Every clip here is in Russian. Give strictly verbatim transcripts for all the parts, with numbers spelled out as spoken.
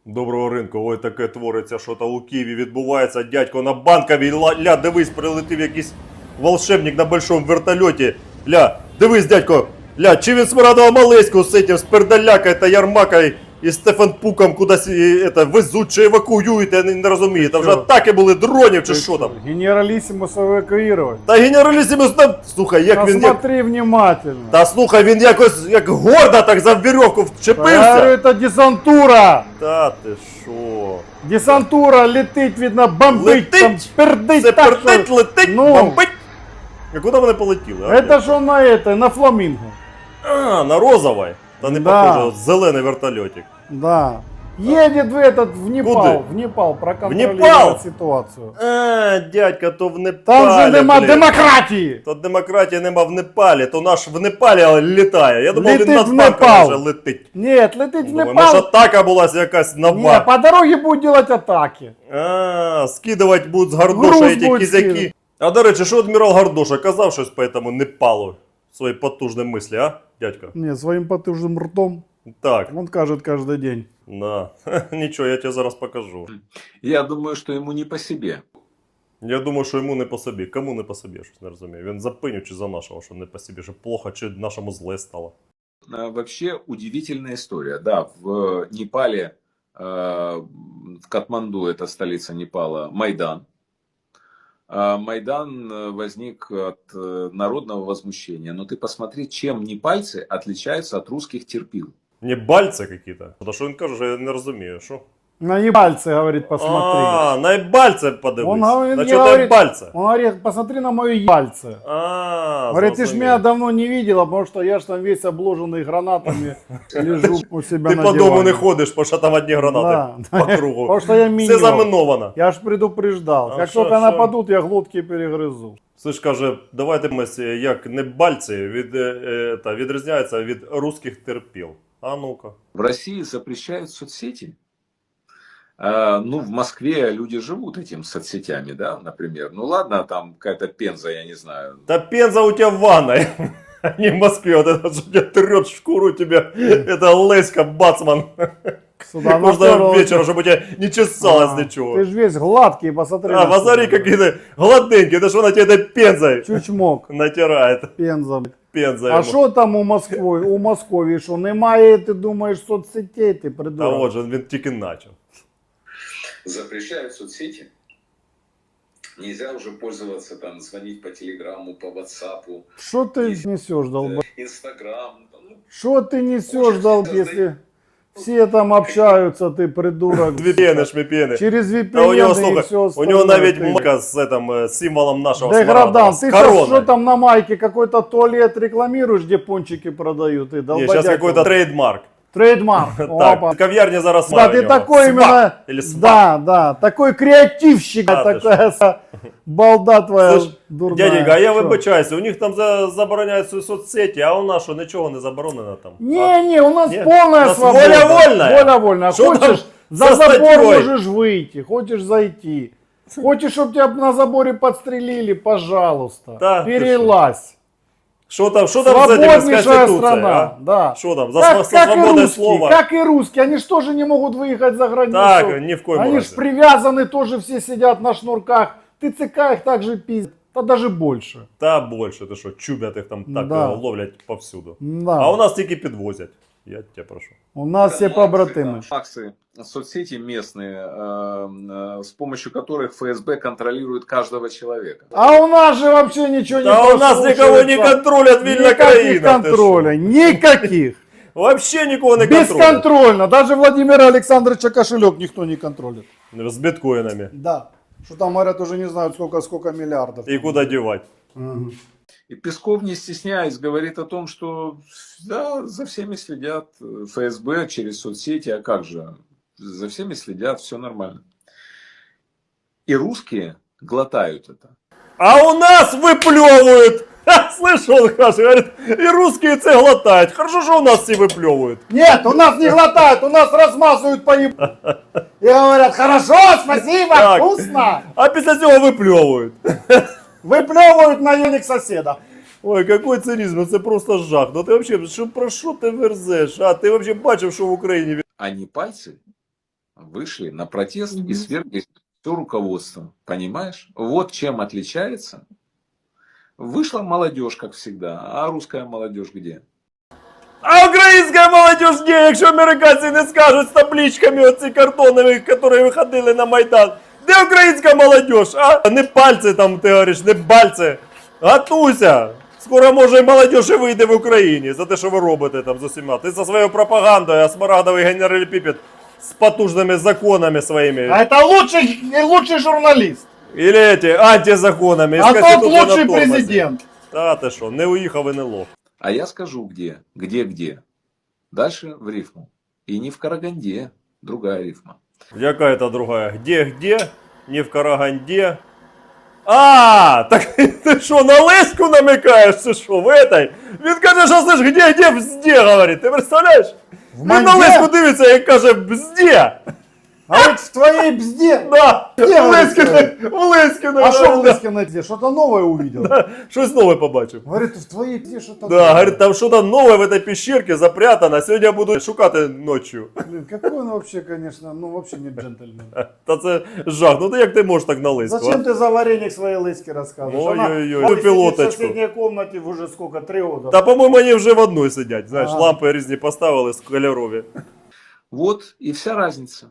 Доброго ринку, ой, таке твориться, що то у Києві відбувається, дядько на Банковій, ля, дивись, прилетів якийсь волшебник на большому вертольоті, ля, дивись, дядько, ля, чи він Смирадова Малеську з цим, з Пердаляка та Ярмакою і Стефанпуком кудись это, везуть чи евакуюють, я не, не розумію, там вже атаки були дронів чи що там. Генералиссимус эвакуировать. Та генералісімус там, слухай, як він... Посмотри Як... внимательно. Та слухай, він якось, як гордо так за вірьовку Я говорю, вчепився. это десантура. Та ти що? Десантура летить, видно, бомбить, Летить? там пердить Це так, пердить, що... летить, Ну. бомбить. А куди вони полетіли? А, Это что на это, на фламинго. а, на розовой. Та не Да. похоже, зелений вертольотик. Да. Едет в этот, в Непал, Куди? в Непал, Непал? проконтролировать ситуацию. А, дядька, то в Непалі. Там же нема блін. демократии. То демократії нема в Непалі, то наш в Непалі літає. Я думав, Летить він над в Банковою Непал. вже летить. Нет, летит в Думаю, може Непал. атака була якась Не, нова. по дороге будет делать атаки. А, скидувати будуть з Гардоша Груз ті будуть кізяки. скидати. А до речі, що адмірал Гардоша казав щось по этому Непалу? Свої потужні мислі, а, дядько? Не, своим потужным ртом. Так, Он кажет каждый день. да. Нічого, я тебе зараз покажу. Я думаю, что ему не по себе. Я думаю, що йому не по собі. Кому не по собі, я щось не розумію. Він за пиню чи за нашого, що не по собі, що плохо, чи нашому зле стало. А, Вообще удивительная история. Да, в Непале, э, в Катманду, это столица Непала, Майдан. А Майдан э, возник от э, народного возмущения. Но ты посмотри, чем непальцы отличаются от русских терпил. Не бальці якісь? Та що він каже, що я не розумію, що? На ебальце, говорит, посмотри. А, на ебальце подивись. Он говорит, На не чого говорит- ебальце? Он говорит, посмотри на мое ебальце. А, Говорит, ты ж зрозумів. меня давно не видела, потому что я ж там весь обложенный гранатами лежу у себя Ти на по дому диване. не ходиш, бо що там одні гранати Да. по кругу. Потому что я Все минимум. заминовано. Я ж предупреждал. А как шо, только шо? нападут, я глотки перегрызу. Слиш, каже, давайте ми, як не бальці, від, е, е, та, відрізняються від русських терпіл. А ну-ка. В России запрещают соцсети. А, ну, в Москве люди живут этим соцсетями, да, например. Ну ладно, там какая-то Пенза, я не знаю. Та Пенза у тебя в ванной, а не в Москве. Вот это что тебя трет шкуру тебе. Это Леська, бацман. Сюда Можно наперла. вечером, чтобы у тебя не чесалось А, ничего. Ты ж весь гладкий, посмотри. А, на посмотри, себя. какие-то гладенькие. Это что на тебя этой пензой Чучмок. натирает. Пенза. Пенза А ему. що там у Москві? У Московії, що немає, ти думаєш, соцсетей, ти А придурок. вот же, він тільки начал. Запрещают соцсети. Нельзя уже пользоваться, там, звонить по телеграмму, по ватсапу, Що ти несеш, долб? Инстаграм. Ну, Що ти несеш, долб, якщо всі там общаються, ти придурок. Віпіни, шміпіни. Через А у нього, ві пі ен і слухай, все у остальное. нього навіть ти. майка з этим, е, символом нашого Деградант, Смарадова, ты з сейчас что короной. там на майке, какой-то туалет рекламируешь, где пончики продают, ты Ні, долбодяк. зараз якийсь трейдмарк. Трейдмарк. Опа. Так, кав'ярня зараз Да, має ты у нього. такой Свап именно, Или свап. да, да, такой креативщик, Да, ты такая са- балда твоя Слушай, дурная. Дяденька, а я Что? вибачаюся, у них там за, забороняють свої соцсеті, а у нас що, нічого не заборонено там? А? Не, не, у нас Нет, полная у нас свобода. воля вольная. Воля вольная. Что там Хочешь, за со забор статьей? можешь выйти, хочешь зайти. Хочешь, чтобы тебя на заборе подстрелили, пожалуйста. Да, ты перелазь. Що там, що там з этими, з Свободнейшая Конституцією, страна, а? да. Що там, за Как, св- как и свободне русские, слово? как и русские, они же тоже не могут выехать за границу. Так, ні в коєму Они разі. же привязаны, тоже все сидят на шнурках. ТЦК их также пиздят, да даже больше. Та більше, ти що, чубять їх там так Да. е, ловлять повсюду. Да. А у нас тільки підвозять. Я тебе прошу. У нас все побратимы. Акции, соцсети местные, э, э, с помощью которых эф эс бэ контролирует каждого человека. А у нас же вообще ничего не Да у нас послушается. никого не контролят, вільна Никаких країна. ти контроля, никаких. що? Вообще нікого не контролять. Бесконтрольно. Даже Владимира Александровича кошелек никто не контролит. З біткоїнами. Да. Что там говорят, уже не знают сколько, сколько миллиардов. І куди дівати. Мгм. И Песков, не стесняясь, говорит о том, что да, за всеми следят эф эс бэ через соцсети, а как же, за всеми следят, все нормально. И русские глотают это. А у нас выплевывают. Ха, слышь, он каже, говорит, и русские це глотают. Хорошо, что у нас все выплевывают. Нет, у нас не глотают, у нас размазывают по еб... И говорят, хорошо, спасибо, Так. вкусно. А після цього выплевывают. Выплевывают на язык соседа. Ой, какой цинизм, це просто жах. Ну ти вообще, що, про що ти верзеш? А ти вообще бачив, що в Україні? А непальцы, вышли на протест и Мгм. свергли все руководство. Понимаешь? Вот чем отличается. Вышла молодежь, как всегда. А русская молодежь где? А українська молодь ні, якщо американці не скажуть з табличками оці картонові, які виходили на Майдан. Де українська молодь? А? Не пальці там, ти говориш, не бальці. Готуйся. Скоро, може, і молодь і вийде в Україні за те, що ви робите там з усіма. Ти за своєю пропагандою, а смарагдовий генерал Піпет з потужними законами своїми. А это лучший, лучший журналист. Или эти антизаконами. із А тот Конституцією на лучший тормозі. президент. Та ти що, не уїхав і не лох. А я скажу где. Где-где. Дальше в рифму. И не в Караганде. Другая рифма. Яка это другая? Где-где? Не в Караганде. А, так ти що, на Леську намикаєш, чи що, в этой? Він каже, що слиш, где-где, бзде, говорить, ти представляєш? В Він на манде? Леську дивиться і каже, бзде. А вот в твоей бзде. Да, Где в ви Леськіна, це? в Леськіна. А что в Лыскиной где? Что-то новое увидел. Щось нове побачив. Говорит, в твоей бзде что-то Да, новое. говорит, там что-то новое в этой пещерке запрятано, сегодня я буду шукати ночью. Блин, какой он вообще, конечно, ну вообще не джентльмен. Та це жах, ну ти як ти можеш так на Леську? Зачем а? ты за вареник своей Лыски рассказываешь? Ой-ой-ой, Она ну, сидит пилоточку. в соседней комнате уже сколько, три года. Та, по-моєму, вони вже в одной сидять, знаєш, Ага. лампи різні поставили з кольорові. Вот и вся разница.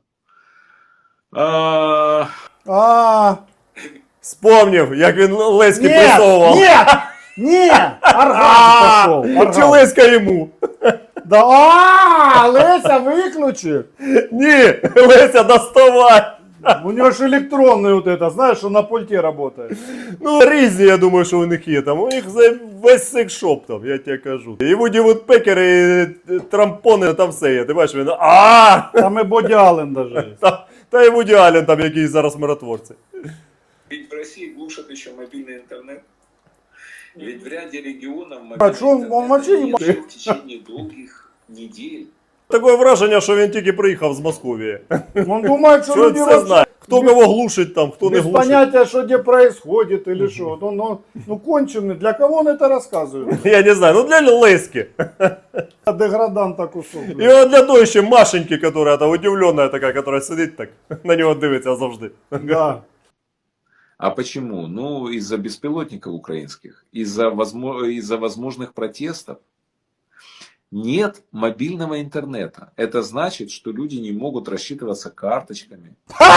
А, А, Вспомнив, як він Леськи нет, присовував. нет, нет, А, оргазм пошел. Чи оргазм. Леська йому? Да, а, Леся, выключи. Ні, Леся, доставай. У него же электронный вот это, знаешь, что на пульте работает. Ну, різні, я думаю, що у них є там. У них за весь секшоп там, я тебе кажу. І Вуді Вудпекери, і трампони, там все є. Ти бачиш, він, а Там и Боди Аллен даже есть. Та, та і Вуді Аллен там, який зараз миротворці. Ведь в России глушат еще мобильный интернет. Ведь в ряде регионов А мобильный что он- интернет он вообще не не может? в течение долгих недель. Таке враження, що він тільки приїхав з Московії. Он думает, что Що люди все вообще знає. Хто кого глушить там, хто не без глушить. понятия, что где происходит или что. Вот он, он, ну конченый, для кого он это рассказывает? Я не знаю, ну для Леськи. Деграданта кусок. І от для той ще Машеньки, яка та удивлена така, яка сидить так, на нього дивиться завжди. Да. а почему? Ну, из-за беспилотников украинских, из-за возмо- из-за возможных протестов. Нет мобильного интернета. Это значит, что люди не могут рассчитываться карточками.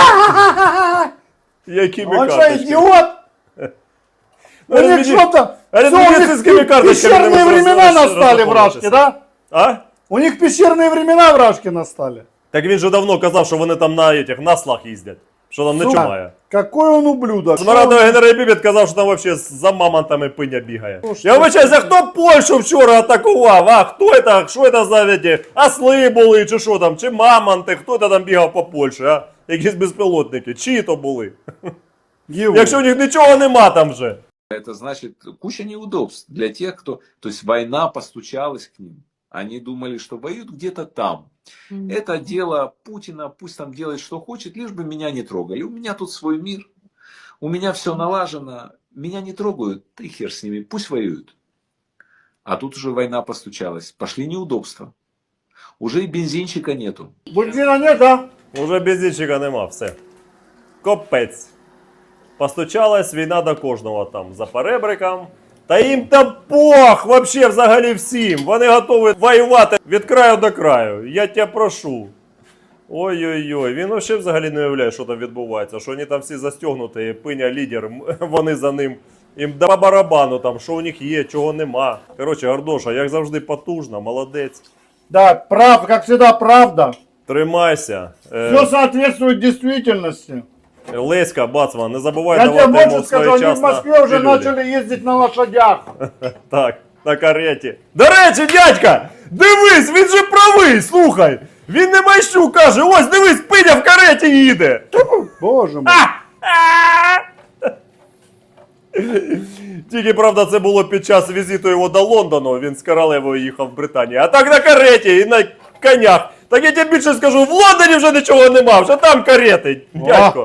Якими Он что, карточками? идиот? У Ну, них мені- что-то... а всё, у них медицинскими карточками пещерные не времена можна настали в Рашке, розраховуватися. да? А? У них пещерные времена в Рашке настали. Так він же давно казав, що вони там на этих наслах їздять. Що там нічого Сука, має. Какой он ублюдок. Смарадовий генерал Піпет казав, що там вообще за мамонтами пиня бігає. Ну, Я що вибачаюся, хто Польщу вчора атакував? А хто це? Що це за эти? Осли були, чи що там? Чи мамонти? Хто це там бігав по Польщі, а? Якісь безпілотники. Чиї то були? Его. Якщо у них нічого нема там вже. Это значит куча неудобств для тех, кто... То есть война постучалась к ним. Они думали, что воюют где-то там. Это дело Путина, пусть там делает, что хочет, лишь бы меня не трогали. У меня тут свой мир, у меня все налажено, меня не трогают, да и хер с ними, пусть воюют. А тут уже война постучалась, пошли неудобства. Уже и бензинчика нету. Бензина нет, да? Уже бензинчика нема, все. Копець. Постучалась війна до кожного там за перебриком. Та їм там пох вообще взагалі всім. Вони готові воювати від краю до краю. Я тебе прошу. Ой-ой-ой, він вообще взагалі не уявляє, що там відбувається. Що вони там всі застегнуті, пиня лідер, м- вони за ним. Їм по барабану там, що у них є, чого нема. Коротше, Гордоша, як завжди потужно, молодець. Да, прав, как всегда, правда. Тримайся. Е, Все соответствует действительности. Леська, Бацман, не забувай Я тебе давати йому больше скажу, они в своєчасно Москве уже пилюлі. начали ездить на лошадях. Так, на кареті. До речі, дядька, дивись, він же правий, слухай. Він не майщу каже, ось дивись, пиня в кареті їде. Боже мой. Тільки, правда, це було під час візиту його до Лондону, він з королевою їхав в Британію. А так на кареті і на конях. Так я тобі більше скажу, в Лондоні вже нічого нема, вже там карети, дядько.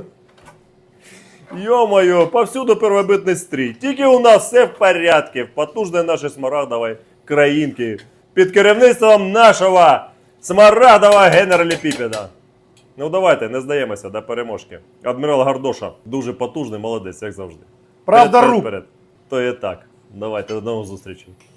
Йо-моє, повсюду первобитний стрій. Тільки у нас все в порядку, в потужній нашій смарагдовій країнки. Під керівництвом нашого смарагдового генерала Піпеда. Ну давайте, не здаємося до переможки. Адмірал Гардоша дуже потужний, молодець, як завжди. Правда, Вперед, рук. вперед, вперед. То є так. Давайте, до нових зустрічей.